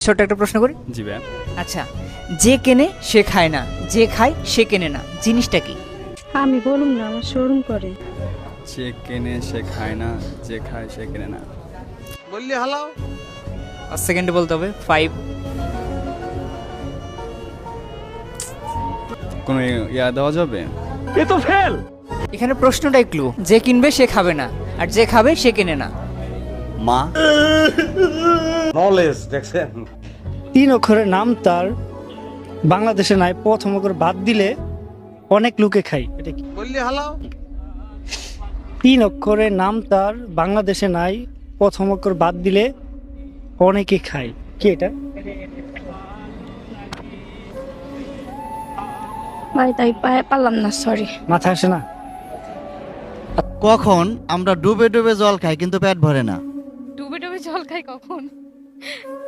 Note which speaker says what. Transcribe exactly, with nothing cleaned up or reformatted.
Speaker 1: ছোট একটা প্রশ্ন করি।
Speaker 2: জি ভাই।
Speaker 1: আচ্ছা, যে কেনে সে খায় না, যে খায় সে কেনে না, জিনিসটা কি?
Speaker 3: আমি বলুম না, আমার শোরুম করে।
Speaker 2: যে কেনে সে খায় না, যে খায় সে কেনে না।
Speaker 4: বললি হালাও।
Speaker 1: পাঁচ সেকেন্ডে বলতে হবে। ফাইভ।
Speaker 2: কোনো ইয়া দেওয়া যাবে?
Speaker 1: এখানে প্রশ্নটাই ক্লু, যে কিনবে সে খাবে না, আর যে খাবে সে কেনে না।
Speaker 2: মা।
Speaker 4: নলেজ দেখছেন।
Speaker 5: তিন অক্ষরের নাম তার বাংলাদেশে নাই, প্রথম অক্ষর বাদ দিলে অনেক লোকে খায়। এটা কি?
Speaker 4: বললি হালাও।
Speaker 5: তিন অক্ষরের নাম তার বাংলাদেশে নাই, প্রথম অক্ষর বাদ দিলে অনেকে খায়। কি এটা?
Speaker 3: ভাই তাই পা- পারলাম না, সরি।
Speaker 5: মাথা আসে না?
Speaker 6: কখন আমরা ডুবে ডুবে জল খাই কিন্তু পেট ভরে না?
Speaker 7: ডুবে ডুবে জল খাই কখন?